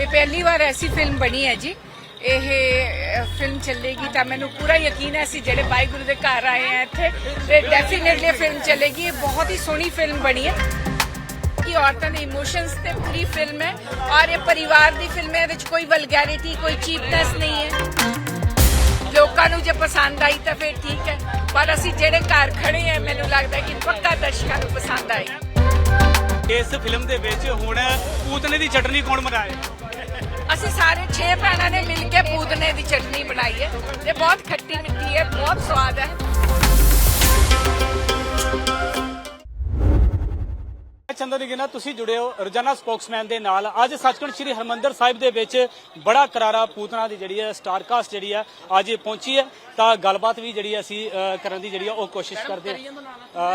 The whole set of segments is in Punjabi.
ਇਹ ਪਹਿਲੀ ਵਾਰ ਐਸੀ ਫਿਲਮ ਬਣੀ ਹੈ ਜੀ। ਇਹ ਫਿਲਮ ਚੱਲੇਗੀ ਤਾਂ ਮੈਨੂੰ ਪੂਰਾ ਯਕੀਨ ਹੈ ਅਸੀਂ ਜਿਹੜੇ ਵਾਹਿਗੁਰੂ ਦੇ ਘਰ ਆਏ ਆ ਇੱਥੇ ਤੇ ਡੈਫੀਨਿਟਲੀ ਫਿਲਮ ਚੱਲੇਗੀ। ਇਹ ਬਹੁਤ ਹੀ ਸੋਹਣੀ ਫਿਲਮ ਬਣੀ ਹੈ ਕਿ ਔਰਤਾਂ ਦੇ ਇਮੋਸ਼ਨਸ ਤੇ ਪੂਰੀ ਫਿਲਮ ਹੈ ਔਰ ਇਹ ਪਰਿਵਾਰ ਦੀ ਫਿਲਮ ਹੈ। ਇਹਦੇ ਵਿੱਚ ਕੋਈ ਵਲਗੈਰਿਟੀ ਕੋਈ ਚੀਪਨੈਸ ਨਹੀਂ ਹੈ। ਲੋਕਾਂ ਨੂੰ ਜੇ ਪਸੰਦ ਆਈ ਤਾਂ ਫਿਰ ਠੀਕ ਹੈ, ਪਰ ਅਸੀਂ ਜਿਹੜੇ ਘਰ ਖੜੇ ਆ ਮੈਨੂੰ ਲੱਗਦਾ ਕਿ ਪੱਕਾ ਦਰਸ਼ਕਾਂ ਨੂੰ ਪਸੰਦ ਆਏ। ਇਸ ਫਿਲਮ ਦੇ ਵਿੱਚ ਹੁਣ ਪੂਤਨੇ ਦੀ ਚਟਨੀ ਕੌਣ ਬਣਾਏ? ਅਸੀਂ ਸਾਰੇ 6 ਭੈਣਾਂ ਨੇ ਮਿਲ ਕੇ ਪੂਤਨੇ ਦੀ ਚਟਨੀ ਬਣਾਈ ਹੈ ਤੇ ਬਹੁਤ ਖੱਟੀ ਮਿੱਠੀ ਹੈ, ਬਹੁਤ ਸਵਾਦ ਹੈ। ਚੰਦਨ ਗਿਨਾ ਤੁਸੀਂ ਜੁੜੇ ਹੋ ਰੋਜ਼ਾਨਾ ਸਪੋਕਸਮੈਨ ਦੇ ਨਾਲ। ਅੱਜ ਸੱਚਖੰਡ ਸ੍ਰੀ ਹਰਿਮੰਦਰ ਸਾਹਿਬ ਦੇ ਵਿੱਚ ਬੜਾ ਕਰਾਰਾ ਪੂਤਨਾ ਦੀ ਜਿਹੜੀ ਹੈ ਸਟਾਰ ਕਾਸਟ ਜਿਹੜੀ ਹੈ ਅੱਜ ਪਹੁੰਚੀ ਹੈ, ਤਾਂ ਗੱਲਬਾਤ ਵੀ ਜਿਹੜੀ ਅਸੀਂ ਕਰਨ ਦੀ ਜਿਹੜੀ ਉਹ ਕੋਸ਼ਿਸ਼ ਕਰਦੇ ਹਾਂ।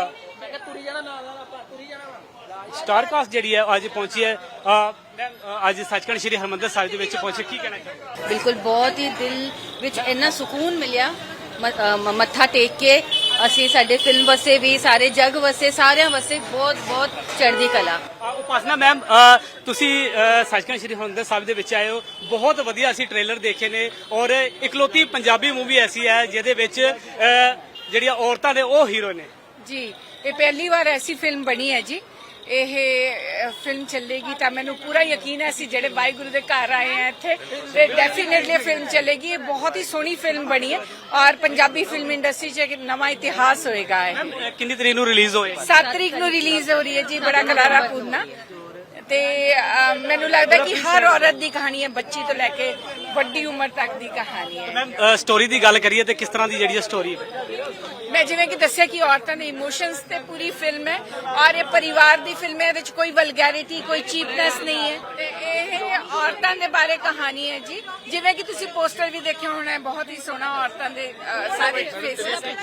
ਸਟਾਰ ਕਾਸਟ ਜਿਹੜੀ ਹੈ ਅੱਜ ਪਹੁੰਚੀ ਹੈ। ਅੱਜ ਸੱਚਖੰਡ ਸ੍ਰੀ ਹਰਿਮੰਦਰ ਸਾਹਿਬ ਦੇ ਵਿੱਚ ਪਹੁੰਚੇ, ਕੀ ਕਹਿਣਾ ਚਾਹੁੰਦੇ? ਬਿਲਕੁਲ ਬਹੁਤ ਹੀ ਦਿਲ ਵਿੱਚ ਇੰਨਾ ਸਕੂਨ ਮਿਲਿਆ ਮੱਥਾ ਟੇਕ ਕੇ। ਅਸੀਂ ਸਾਡੇ ਫਿਲਮ ਵਸੇ ਵੀ ਸਾਰੇ ਜਗ ਵਸੇ ਸਾਰਿਆਂ ਵਸੇ ਬਹੁਤ ਬਹੁਤ ਚੜ੍ਹਦੀ ਕਲਾ। ਉਪਾਸਨਾ ਮੈਮ, ਤੁਸੀਂ ਸੱਚਖੰਡ ਸ੍ਰੀ ਹਰਿਮੰਦਰ ਸਾਹਿਬ ਦੇ ਵਿੱਚ ਆਏ ਹੋ, ਬਹੁਤ ਵਧੀਆ ਅਸੀਂ ਟ੍ਰੇਲਰ ਦੇਖੇ ਨੇ ਔਰ ਇਕਲੌਤੀ ਪੰਜਾਬੀ ਮੂਵੀ ਐਸੀ ਹੈ ਜਿਹਦੇ ਵਿੱਚ ਜਿਹੜੀਆਂ ਔਰਤਾਂ ਨੇ ਉਹ ਹੀਰੋ ਨੇ ਜੀ। ਇਹ ਪਹਿਲੀ ਵਾਰ ਐਸੀ ਫਿਲਮ ਬਣੀ ਹੈ ਜੀ। ਇਹ ਫਿਲਮ ਚੱਲੇਗੀ ਤਾਂ ਮੈਨੂੰ ਪੂਰਾ ਯਕੀਨ ਹੈ ਅਸੀਂ ਜਿਹੜੇ ਵਾਹਿਗੁਰੂ ਦੇ ਘਰ ਆਏ ਆ ਇੱਥੇ ਤੇ ਡੈਫੀਨਿਟਲੀ ਫਿਲਮ ਚੱਲੇਗੀ। ਇਹ ਬਹੁਤ ਹੀ ਸੋਹਣੀ ਫਿਲਮ ਬਣੀ ਹੈ ਔਰ ਪੰਜਾਬੀ ਫਿਲਮ ਇੰਡਸਟਰੀ 'ਚ ਇੱਕ ਨਵਾਂ ਇਤਿਹਾਸ ਹੋਏਗਾ। ਇਹ ਕਿੰਨੀ ਤਰੀਕ ਨੂੰ ਰਿਲੀਜ਼ ਹੋਏ? 7 ਤਰੀਕ ਨੂੰ ਰਿਲੀਜ਼ ਹੋ ਰਹੀ ਹੈ ਜੀ। ਬੜਾ ਕਰਾਰਾ ਪੂਰਨਾ ਤੇ ਮੈਨੂੰ ਲੱਗਦਾ ਕਿ ਹਰ ਔਰਤ ਦੀ ਕਹਾਣੀ ਹੈ, ਬੱਚੀ ਤੋਂ ਲੈ ਕੇ ਵੱਡੀ ਉਮਰ ਤੱਕ ਦੀ ਕਹਾਣੀ ਹੈ। ਮੈਮ ਸਟੋਰੀ ਦੀ ਗੱਲ ਕਰੀਏ ਤੇ ਕਿਸ ਤਰ੍ਹਾਂ ਦੀ ਜਿਹੜੀ ਸਟੋਰੀ ਹੈ? ਮੈਂ ਜਿਵੇਂ ਕਿ ਦੱਸਿਆ ਕਿ ਔਰਤਾਂ ਦੇ ਇਮੋਸ਼ਨਸ ਤੇ ਪੂਰੀ ਫਿਲਮ ਹੈ ਔਰ ਇਹ ਪਰਿਵਾਰ ਦੀ ਫਿਲਮ ਹੈ। ਇਹਦੇ ਵਿੱਚ ਕੋਈ ਵਲਗੈਰਿਟੀ ਕੋਈ ਚੀਪਨੈਸ ਨਹੀਂ ਹੈ ਤੇ ਇਹ ਔਰਤਾਂ ਦੇ ਬਾਰੇ ਕਹਾਣੀ ਹੈ ਜੀ। ਜਿਵੇਂ ਕਿ ਤੁਸੀਂ ਪੋਸਟਰ ਵੀ ਦੇਖਿਆ ਹੋਣਾ ਹੈ, ਬਹੁਤ ਹੀ ਸੋਹਣਾ ਔਰਤਾਂ ਦੇ ਸਾਰੇ ਫੇਸਿਸ ਹੈ।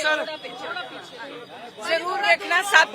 ਜ਼ਰੂਰ ਦੇਖਣਾ। 7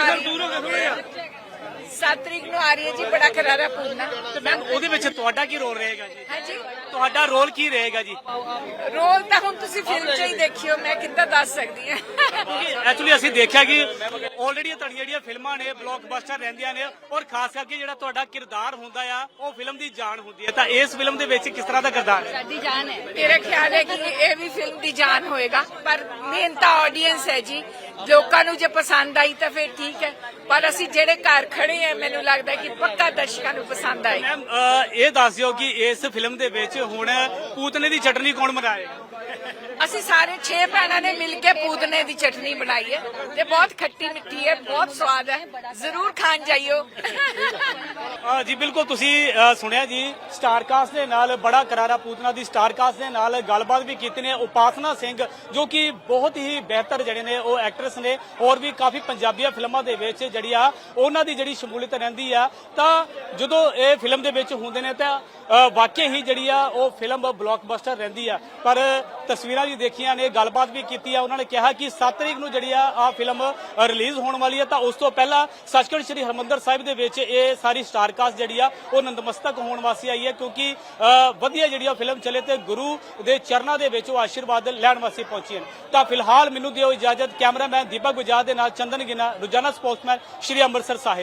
ਤਰੀਕ ਨੂੰ ਆ ਰਹੀ ਹੈ ਜੀ ਬੜਾ ਕਰਾਰਾ ਪੂਰਨਾ। ਤੇ ਮੈਮ ਉਹਦੇ ਵਿੱਚ ਤੁਹਾਡਾ ਕੀ ਰੋਲ ਰਹੇਗਾ ਜੀ? ਹਾਂਜੀ, ਤੁਹਾਡਾ ਰੋਲ ਕੀ ਰਹੇਗਾ ਜੀ? ਰੋਲ ਤਾਂ ਹੁਣ ਤੁਸੀਂ ਫਿਲਮ 'ਚ ਹੀ ਦੇਖਿਓ, ਮੈਂ ਕਿੱਦਾਂ ਦੱਸ ਸਕਦੀ ਹਾਂ। ਐਕਚੁਅਲੀ ਅਸੀਂ ਦੇਖਿਆ ਕਿ ਆਲਰੇਡੀ ਤੁਹਾਡੀਆਂ ਜਿਹੜੀਆਂ ਫਿਲਮਾਂ ਨੇ ਬਲੌਕਬਸਟਰ ਰਹਿੰਦੀਆਂ ਨੇ ਔਰ ਖਾਸ ਕਰਕੇ ਜਿਹੜਾ ਤੁਹਾਡਾ ਕਿਰਦਾਰ ਹੁੰਦਾ ਆ ਉਹ ਫਿਲਮ ਦੀ ਜਾਨ ਹੁੰਦੀ ਹੈ, ਤਾਂ ਇਸ ਫਿਲਮ ਦੇ ਵਿੱਚ ਕਿਸ ਤਰ੍ਹਾਂ ਦਾ ਕਿਰਦਾਰ ਹੈ? ਸਾਡੀ ਜਾਨ ਹੈ। ਮੇਰਾ ਖਿਆਲ ਹੈ ਕਿ ਇਹ ਵੀ ਫਿਲਮ ਦੀ ਜਾਨ ਹੋਏਗਾ, ਪਰ ਮੇਨ ਤਾਂ ਆਡੀਅנס ਹੈ ਜੀ। ਲੋਕਾਂ ਨੂੰ ਜੇ ਪਸੰਦ ਆਈ ਤਾਂ ਫਿਰ ਠੀਕ ਹੈ, ਪਰ ਅਸੀਂ ਜਿਹੜੇ ਘਰ ਖੜੇ ਆ ਮੈਨੂੰ ਲੱਗਦਾ ਕਿ ਪੱਕਾ ਦਰਸ਼ਕਾਂ ਨੂੰ ਪਸੰਦ ਆਏ। ਮੈਮ ਇਹ ਦੱਸ ਦਿਓ ਕਿ ਇਸ ਫਿਲਮ ਦੇ ਵਿੱਚ ਹੁਣ ਪੂਤਨੇ ਦੀ ਚਟਨੀ ਕੌਣ ਬਣਾਏਗਾ? ਅਸੀਂ ਸਾਰੇ 6 ਭੈਣਾਂ ਨੇ ਮਿਲ ਕੇ ਪੂਤਨੇ ਦੀ ਚਟਨੀ ਬਣਾਈ ਹੈ ਤੇ ਬਹੁਤ ਖੱਟੀ ਮਿੱਠੀ ਹੈ, ਬਹੁਤ ਸਵਾਦ ਹੈ। ਜ਼ਰੂਰ ਖਾਣ ਜਾਈਓ। ਜੀ ਬਿਲਕੁਲ ਤੁਸੀਂ ਸੁਣਿਆ ਜੀ, ਸਟਾਰ ਕਾਸਟ ਦੇ ਨਾਲ ਬੜਾ ਕਰਾਰਾ ਪੂਤਨਾ ਦੀ ਸਟਾਰ ਕਾਸਟ ਦੇ ਨਾਲ ਗੱਲਬਾਤ ਵੀ ਕੀਤੀ ਨੇ। ਉਪਾਸਨਾ ਸਿੰਘ ਜੋ ਕਿ ਬਹੁਤ ਹੀ ਬਿਹਤਰ ਜਿਹੜੇ ਨੇ ਉਹ ਐਕਟਰੈਸ ਨੇ ਔਰ ਵੀ ਕਾਫੀ ਪੰਜਾਬੀਆਂ ਫਿਲਮਾਂ ਦੇ ਵਿੱਚ ਜਿਹੜੀ ਆ ਉਹਨਾਂ ਦੀ ਜਿਹੜੀ ਸ਼ਮੂਲੀਅਤ ਰਹਿੰਦੀ ਆ, ਤਾਂ ਜਦੋਂ ਇਹ ਫਿਲਮ ਦੇ ਵਿੱਚ ਹੁੰਦੇ ਨੇ ਤਾਂ ਵਾਕਈ ਹੀ ਜਿਹੜੀ ਆ ਉਹ ਫਿਲਮ ਬਲੌਕਬਸਟਰ ਰਹਿੰਦੀ ਆ। ਪਰ ਤਸਵੀਰਾਂ ਵੀ ਦੇਖੀਆਂ ਨੇ, ਗੱਲਬਾਤ ਵੀ ਕੀਤੀ ਆ। ਉਹਨਾਂ ਨੇ ਕਿਹਾ ਕਿ 7 ਤਰੀਕ ਨੂੰ ਜਿਹੜੀ ਆ ਫਿਲਮ ਰਿਲੀਜ਼ ਹੋਣ ਵਾਲੀ ਹੈ, ਤਾਂ ਉਸ ਤੋਂ ਪਹਿਲਾਂ ਸੱਚਖੰਡ ਸ੍ਰੀ ਹਰਿਮੰਦਰ ਸਾਹਿਬ ਦੇ ਵਿੱਚ ਇਹ ਸਾਰੀ ਸਟਾਰ ਕਾਸਟ ਜਿਹੜੀ ਆ ਉਹ ਨਤਮਸਤਕ ਹੋਣ ਵਾਸਤੇ ਆਈ ਹੈ, ਕਿਉਂਕਿ ਵਧੀਆ ਜਿਹੜੀ ਆ ਫਿਲਮ ਚੱਲੇ ਤੇ ਗੁਰੂ ਦੇ ਚਰਨਾਂ ਦੇ ਵਿੱਚ ਉਹ ਆਸ਼ੀਰਵਾਦ ਲੈਣ ਵਾਸਤੇ ਪਹੁੰਚੀ ਹਨ। ਤਾਂ ਫਿਲਹਾਲ ਮੈਨੂੰ ਦਿਓ ਇਜਾਜ਼ਤ। ਕੈਮਰਾਮੈਨ ਦੀਪਕ ਗੁਜਾਰ ਦੇ ਨਾਲ ਚੰਦਨ ਗਿਨਾ, ਰੋਜ਼ਾਨਾ ਸਪੋਕਸਮੈਨ, ਸ਼੍ਰੀ ਅੰਮ੍ਰਿਤਸਰ ਸਾਹਿਬ।